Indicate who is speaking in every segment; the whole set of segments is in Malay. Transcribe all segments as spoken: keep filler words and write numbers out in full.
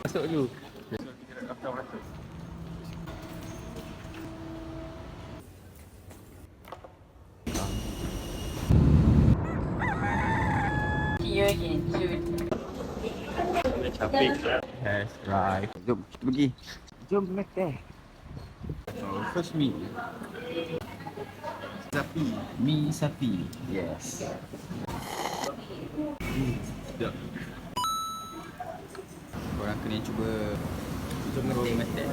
Speaker 1: Masuk dulu. So, kita nak daftar beratus.
Speaker 2: See you again soon.
Speaker 1: Capek lah. Yes, right. Jom, kita pergi. Jom makan. So, first meal. Sapi. Mi sapi. Yes. Hmm, sedap. Korang kena cuba Jom makan.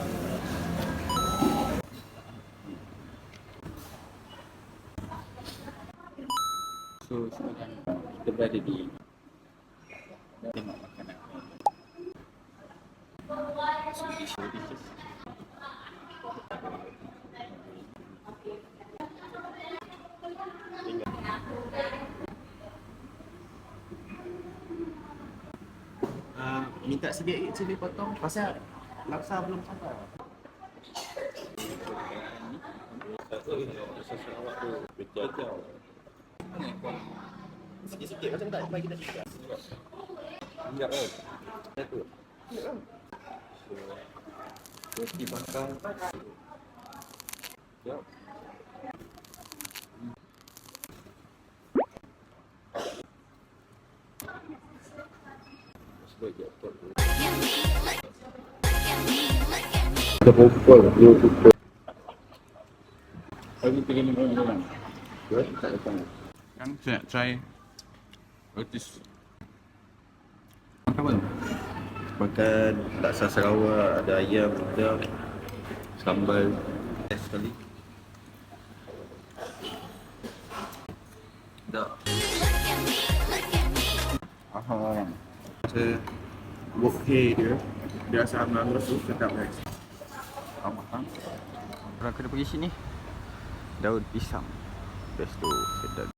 Speaker 1: So, sekarang kita berada di tengok makanan. So, this is Uh, minta sikit cili potong pasal laksa belum sampai. Sikit-sikit macam tak bagi kita juga. Enggak oh. Satu. Roti bakar. Ya. Kita pukul, dia pukul. Lagi pergi minum-minum. Ya, tak datang. Kan saya nak try roti makan makan laksa Sarawak, ada ayam, ada sambal. Best sekali. Dah. Aha. Saya work hay dia. Biasa ambil tu sedap guys. Mahal. Orang kena pergi sini. Daun pisang. Best tu sedap.